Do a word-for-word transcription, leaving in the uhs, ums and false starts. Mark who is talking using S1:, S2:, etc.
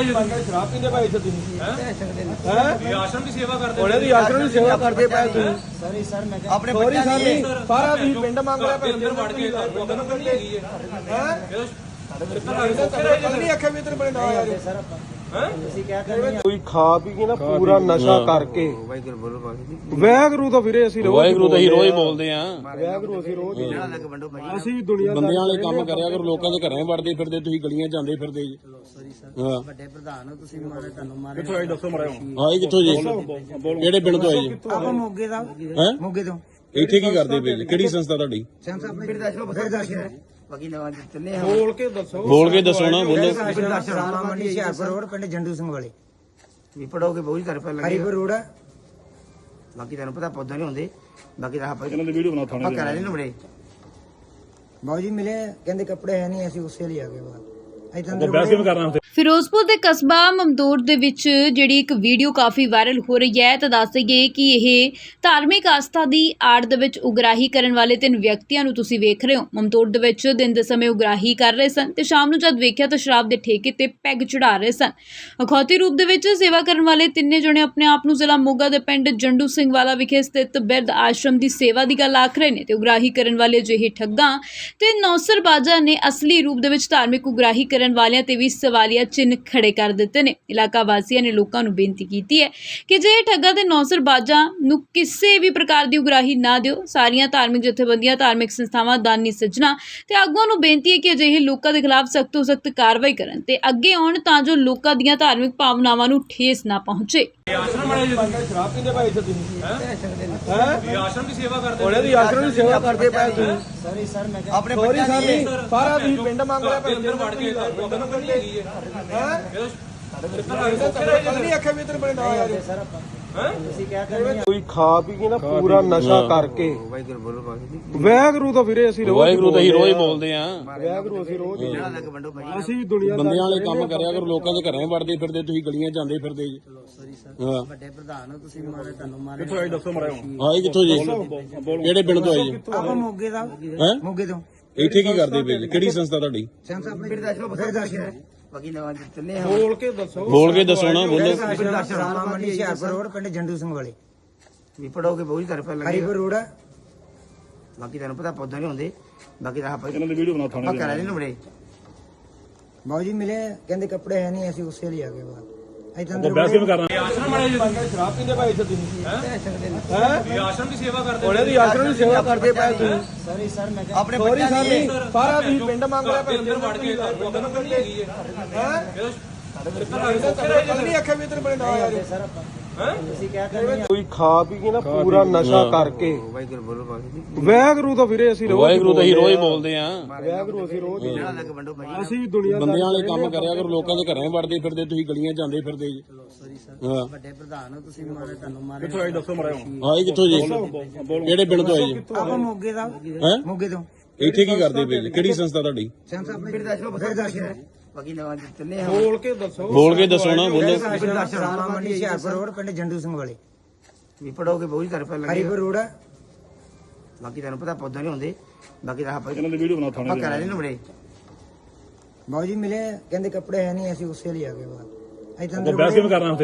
S1: शराब पींदे भाई इत्थे तुसीं हैं आश्रम की सेवा करदे ओने दी आश्रम की सेवा करदे पए तुसीं सॉरी सर मैं अपने बच्चे सारी सारा तुसीं पिंड मंग रहे पे अंदर वड़ के अंदर पिंड हैगी है हैं नहीं आखे भी इधर बड़े ना आ जाओ सर कोई खा पी के ना पूरा नशा करके वाਹਿਗੁਰੂ ਤਾਂ ਫਿਰੇ ਅਸੀਂ ਰੋਜ਼
S2: ਵਾਹਿਗੁਰੂ ਤਾਂ ਹੀ ਰੋਜ਼ ਬੋਲਦੇ ਆ
S1: ਵਾਹਿਗੁਰੂ ਅਸੀਂ ਰੋਜ਼ ਅਸੀਂ ਦੁਨੀਆ
S2: ਬੰਦਿਆਂ ਵਾਲੇ ਕੰਮ ਕਰਿਆ ਕਰੋ ਲੋਕਾਂ ਦੇ ਘਰਾਂ ਵੜਦੇ ਫਿਰਦੇ ਤੁਸੀਂ ਗਲੀਆਂ ਜਾਂਦੇ ਫਿਰਦੇ ਜੀ ਹਾਂ
S3: ਵੱਡੇ ਪ੍ਰਧਾਨ ਹੋ ਤੁਸੀਂ ਮਾਰੇ ਤੁਹਾਨੂੰ ਮਾਰੇ
S1: ਕਿੱਥੋਂ ਆਏ ਦੱਸੋ ਮਰਿਆ
S2: ਆਏ ਕਿੱਥੋਂ ਜੀ ਕਿਹੜੇ ਪਿੰਡ ਤੋਂ ਆਏ ਜੀ
S3: ਆਪਾਂ ਮੋਗੇ ਦਾ
S2: ਹੈ
S3: ਮੋਗੇ ਤੋਂ
S2: ਇੱਥੇ ਕੀ ਕਰਦੇ ਪਏ ਜੀ ਕਿਹੜੀ ਸੰਸਥਾ ਤੁਹਾਡੀ
S3: ਸੰਸਾ ਆਪਣੇ ਬਿਰਦਾਸ਼ਰਮ ਬਿਰਦਾਸ਼ਰਮ ਬਾਕੀ ਨਵਾਂ ਚੱਲੇ ਆ
S1: ਬੋਲ ਕੇ ਦੱਸੋ
S2: ਬੋਲ ਕੇ ਦੱਸੋ ਨਾ ਬੋਲੋ
S3: ਰਾਮਾ ਮੰਡੀ ਹਿਆਰਪੁਰ ਰੋਡ ਪਿੰਡ ਜੰਡੂ ਸਿੰਘ ਵਾਲੇ ਵੀ ਪੜੋਗੇ ਬਹੁਤ ਤਰ੍ਹਾਂ ਪਹਿਲਾਂ ਹਰੀਪੁਰ ਰੋਡ ਬਾਕੀ ਤੁਹਾਨੂੰ ਪਤਾ ਪੌਦਾ ਨਹੀਂ ਹੁੰਦੇ ਬਾਕੀ ਤਾਂ ਆਪਾਂ
S1: ਇਹਨਾਂ ਦੀ ਵੀਡੀਓ ਬਣਾ ਥਾਣੇ
S3: ਆਪਾਂ ਕਰਾ ਲੈਣ ਬੜੇ ਬਾਊ ਜੀ ਮਿਲੇ ਕਹਿੰਦੇ ਕੱਪੜੇ ਹੈ ਨਹੀਂ ਅਸੀਂ ਉਸੇ ਲਈ ਆ ਗਏ ਬਾਅਦ
S4: ਫਿਰੋਜ਼ਪੁਰ ਦੇ ਕਸਬਾ ਮਮਦੂਰ ਦੇ ਵਿੱਚ ਜਿਹੜੀ ਇੱਕ ਵੀਡੀਓ ਕਾਫੀ ਵਾਇਰਲ ਹੋ ਰਹੀ ਹੈ ਤਾਂ ਦੱਸ ਦਈਏ ਕਿ ਇਹ ਧਾਰਮਿਕ ਆਸਥਾ ਦੀ ਆੜ ਦੇ ਵਿੱਚ ਉਗਰਾਹੀ ਕਰਨ ਵਾਲੇ ਤਿੰਨ ਵਿਅਕਤੀਆਂ ਨੂੰ ਤੁਸੀਂ ਵੇਖ ਰਹੇ ਹੋ। ਮਮਦੂਰ ਦੇ ਵਿੱਚ ਦਿਨ ਦੇ ਸਮੇਂ ਉਗਰਾਹੀ ਕਰ ਰਹੇ ਸਨ ਤੇ ਸ਼ਾਮ ਨੂੰ ਜਦ ਵੇਖਿਆ ਤਾਂ ਸ਼ਰਾਬ ਦੇ ਠੇਕੇ ਤੇ ਪੈਗ ਚੜਾ ਰਹੇ ਸਨ। ਅਖੌਤੀ ਰੂਪ ਦੇ ਵਿੱਚ ਸੇਵਾ ਕਰਨ ਵਾਲੇ ਤਿੰਨੇ ਜਣੇ ਆਪਣੇ ਆਪ ਨੂੰ ਜ਼ਿਲ੍ਹਾ ਮੋਗਾ ਦੇ ਪਿੰਡ ਜੰਡੂ ਸਿੰਘ ਵਾਲਾ ਵਿਖੇ ਸਥਿਤ ਬਿਰਧ ਆਸ਼ਰਮ ਦੀ ਸੇਵਾ ਦੀ ਗੱਲ ਆਖ ਰਹੇ ਨੇ ਤੇ ਉਗਰਾਹੀ ਕਰਨ ਵਾਲੇ ਅਜਿਹੇ ਠੱਗਾਂ ਤੇ ਨੌਸਰਬਾਜ਼ਾਂ ਨੇ ਅਸਲੀ ਰੂਪ ਦੇ ਵਿੱਚ ਧਾਰਮਿਕ ਉਗਰਾਹੀ ਕਰਨ ਵਾਲਿਆਂ ਤੇ ਵੀ ਸਵਾਲੀਆ ਚਿੰਨ੍ਹ ਖੜੇ ਕਰ ਦਿੱਤੇ ਨੇ। ਇਲਾਕਾ ਵਾਸੀਆਂ ਨੇ ਲੋਕਾਂ ਨੂੰ ਬੇਨਤੀ ਕੀਤੀ ਹੈ ਕਿ ਜੇ ਠੱਗਾਂ ਤੇ ਨੌਸਰਬਾਜ਼ਾਂ ਨੂੰ ਕਿਸੇ ਵੀ ਪ੍ਰਕਾਰ ਦੀ ਉਗਰਾਹੀ ਨਾ ਦਿਓ। ਸਾਰੀਆਂ ਧਾਰਮਿਕ ਜਥੇਬੰਦੀਆਂ ਧਾਰਮਿਕ ਸੰਸਥਾਵਾਂ ਦਾਨੀ ਸੱਜਣਾ ਤੇ ਆਗੂਆਂ ਨੂੰ ਬੇਨਤੀ ਹੈ ਕਿ ਅਜਿਹੇ ਲੋਕਾਂ ਦੇ ਖਿਲਾਫ ਸਖਤ ਤੋਂ ਸਖਤ ਕਾਰਵਾਈ ਕਰਨ ਤੇ ਅੱਗੇ ਆਉਣ ਤਾਂ ਜੋ ਲੋਕਾਂ ਦੀਆਂ ਧਾਰਮਿਕ ਭਾਵਨਾਵਾਂ ਨੂੰ ਠੇਸ ਨਾ ਪਹੁੰਚੇ।
S1: ਆਸ਼ਰਮ ਵਾਲੇ ਸ਼ਰਾਬ ਪੀਂਦੇ ਭਾਈ ਇੱਥੇ ਤੁਸੀਂ हैं आश्रम की सेवा करदे ओने दी आश्रम की सेवा करदे पए तुसीं
S3: ਸੌਰੀ ਸਰ ਮੈਂ
S1: अपने बच्चे सारी सारा तुसीं पिंड मंग रहे पे अंदर वड़ के अंदर पिंड हैगी है नहीं आखे भी इधर बड़े ना आ जाओ
S3: ਸਰ ਆਪਾਂ ਤੁਸੀਂ ਕਿਆ ਕਰਦੇ
S1: ਕੋਈ ਖਾ ਪੀ ਕੇ ਨਾ ਪੂਰਾ ਨਸ਼ਾ ਕਰਕੇ
S3: ਵਾਹਿਗੁਰੂ ਬੋਲੋ ਬਾਕੀ
S1: ਵਾਹਿਗੁਰੂ ਤਾਂ ਫਿਰੇ ਅਸੀਂ ਰੋਜ਼
S2: ਵਾਹਿਗੁਰੂ ਤਾਂ ਹੀ ਰੋਜ਼ ਬੋਲਦੇ ਆ
S1: ਵਾਹਿਗੁਰੂ ਅਸੀਂ ਰੋਜ਼
S3: ਜਿਹੜਾ ਲੱਗ ਵੰਡੋ ਭਾਈ
S1: ਅਸੀਂ ਦੁਨੀਆ
S2: ਬੰਦਿਆਂ ਵਾਲੇ ਕੰਮ ਕਰਿਆ ਕਰੋ ਲੋਕਾਂ ਦੇ ਘਰਾਂ ਵੜਦੇ ਫਿਰਦੇ ਤੁਸੀਂ ਗਲੀਆਂ ਜਾਂਦੇ ਫਿਰਦੇ ਜੀ
S3: ਸੌਰੀ ਸਰ
S2: ਹਾਂ
S3: ਵੱਡੇ ਪ੍ਰਧਾਨ ਹੋ ਤੁਸੀਂ ਮਾਰੇ ਤੁਹਾਨੂੰ ਮਾਰੇ
S1: ਕਿੱਥੋਂ ਆਏ ਦੱਸੋ ਮਰਿਆ
S2: ਆਏ ਕਿੱਥੋਂ ਜੀ ਕਿਹੜੇ ਪਿੰਡ ਤੋਂ ਆਏ ਜੀ
S3: ਆਪਾਂ ਮੋਗੇ ਦਾ
S2: ਹੈ
S3: ਮੋਗੇ ਤੋਂ
S2: ਇੱਥੇ ਕੀ ਕਰਦੇ ਪਏ ਜੀ ਕਿਹੜੀ ਸੰਸਥਾ ਤੁਹਾਡੀ
S3: ਸੰਸਾ ਆਪਣੇ ਬਿਰਦਾਸ਼ਰਮ ਬਿਰਦਾਸ਼ਰਮ ਬਾਕੀ ਨਵਾਂ ਚੱਲੇ ਆ
S1: ਬੋਲ ਕੇ ਦੱਸੋ
S2: ਬੋਲ ਕੇ ਦੱਸੋ ਨਾ ਬੋਲੋ
S3: ਰਾਮਾ ਮੰਡੀ ਹਿਆਰਪੁਰ ਰੋਡ ਪਿੰਡ ਜੰਡੂ ਸਿੰਘ ਵਾਲੇ ਵੀ ਪੜੋਗੇ ਬਹੁਤ ਤਰ੍ਹਾਂ ਪਹਿਲਾਂ ਹਰੀਪੁਰ ਰੋਡ ਬਾਕੀ ਤੁਹਾਨੂੰ ਪਤਾ ਪੌਦਾ ਨਹੀਂ ਹੁੰਦੇ ਬਾਕੀ ਤਾਂ ਆਪਾਂ
S1: ਇਹਨਾਂ ਦੀ ਵੀਡੀਓ ਬਣਾ ਥਾਣੇ
S3: ਆਪਾਂ ਕਰਾ ਲੈਣ ਬੜੇ ਬਾਊ ਜੀ ਮਿਲੇ ਕਹਿੰਦੇ ਕੱਪੜੇ ਹੈ ਨਹੀਂ ਅਸੀਂ ਉਸੇ ਲਈ ਆ ਗਏ ਬਾਅਦ
S1: आश्रम वाले शराब पींदे भाई इत्थे तुसीं हैं आश्रम की सेवा करदे ओने दी आश्रम की सेवा करदे पए तुसीं
S3: सॉरी सर मैं
S1: अपने बच्चे सारी सारा तुसीं पिंड मंग रहे पे अंदर वड़ के अंदर पिंड हैगी है नहीं आखे भी इधर बड़े ना आ जाओ
S3: सर ਆਪਾਂ ਤੁਸੀਂ ਕਿਆ ਕਰਦੇ
S1: ਕੋਈ ਖਾ ਪੀ ਕੇ ਨਾ ਪੂਰਾ ਨਸ਼ਾ ਕਰਕੇ
S3: ਵਾਹਿਗੁਰੂ ਬੋਲੋ ਬਾਕੀ
S1: ਵਾਹਿਗੁਰੂ ਤਾਂ ਫਿਰੇ ਅਸੀਂ ਰੋਜ਼
S2: ਵਾਹਿਗੁਰੂ ਤਾਂ ਹੀ ਰੋਜ਼ ਬੋਲਦੇ ਆ
S1: ਵਾਹਿਗੁਰੂ ਅਸੀਂ ਰੋਜ਼
S3: ਜਿਹੜਾ ਲੱਗ ਵੰਡੋ ਭਾਈ
S1: ਅਸੀਂ ਦੁਨੀਆ
S2: ਬੰਦਿਆਂ ਵਾਲੇ ਕੰਮ ਕਰਿਆ ਕਰੋ ਲੋਕਾਂ ਦੇ ਘਰਾਂ ਵੜਦੇ ਫਿਰਦੇ ਤੁਸੀਂ ਗਲੀਆਂ ਜਾਂਦੇ ਫਿਰਦੇ ਜੀ
S3: ਸੌਰੀ ਸਰ
S2: ਹਾਂ
S3: ਵੱਡੇ ਪ੍ਰਧਾਨ ਹੋ ਤੁਸੀਂ ਮਾਰੇ ਤੁਹਾਨੂੰ ਮਾਰੇ
S1: ਕਿੱਥੋਂ ਆਏ ਦੱਸੋ ਮਰਿਆ
S2: ਆਏ ਕਿੱਥੋਂ ਜੀ ਕਿਹੜੇ ਪਿੰਡ ਤੋਂ ਆਏ ਜੀ
S3: ਆਪਾਂ ਮੋਗੇ ਦਾ
S2: ਹੈ
S3: ਮੋਗੇ ਤੋਂ
S2: ਇੱਥੇ ਕੀ ਕਰਦੇ ਪਏ ਜੀ ਕਿਹੜੀ ਸੰਸਥਾ ਤੁਹਾਡੀ
S3: ਸੰਸਾ ਆਪਣੇ ਬਿਰਦਾਸ਼ਰਮ ਬਿਰਦਾਸ਼ਰਮ ਬਾਕੀ ਨਵਾਂ ਚੱਲੇ ਆ
S1: ਬੋਲ ਕੇ ਦੱਸੋ
S2: ਬੋਲ ਕੇ ਦੱਸੋ ਨਾ ਬੋਲੋ
S3: ਰਾਮਾ ਮੰਡੀ ਹਿਆਰਪੁਰ ਰੋਡ ਪਿੰਡ ਜੰਡੂ ਸਿੰਘ ਵਾਲੇ ਵੀ ਪੜੋਗੇ ਬਹੁਤ ਤਰ੍ਹਾਂ ਪਹਿਲਾਂ ਹਰੀਪੁਰ ਰੋਡ ਬਾਕੀ ਤੁਹਾਨੂੰ ਪਤਾ ਪੌਦਾ ਨਹੀਂ ਹੁੰਦੇ ਬਾਕੀ ਤਾਂ ਆਪਾਂ
S1: ਇਹਨਾਂ ਦੀ ਵੀਡੀਓ ਬਣਾ ਥਾਣੇ
S3: ਆਪਾਂ ਕਰਾ ਲੈਣ ਬੜੇ ਬਾਊ ਜੀ ਮਿਲੇ ਕਹਿੰਦੇ ਕੱਪੜੇ ਹੈ ਨਹੀਂ ਅਸੀਂ ਉਸੇ ਲਈ ਆ ਗਏ ਬਾਅਦ
S1: ਬਹਿਸ ਕਿਵੇਂ ਕਰਨਾ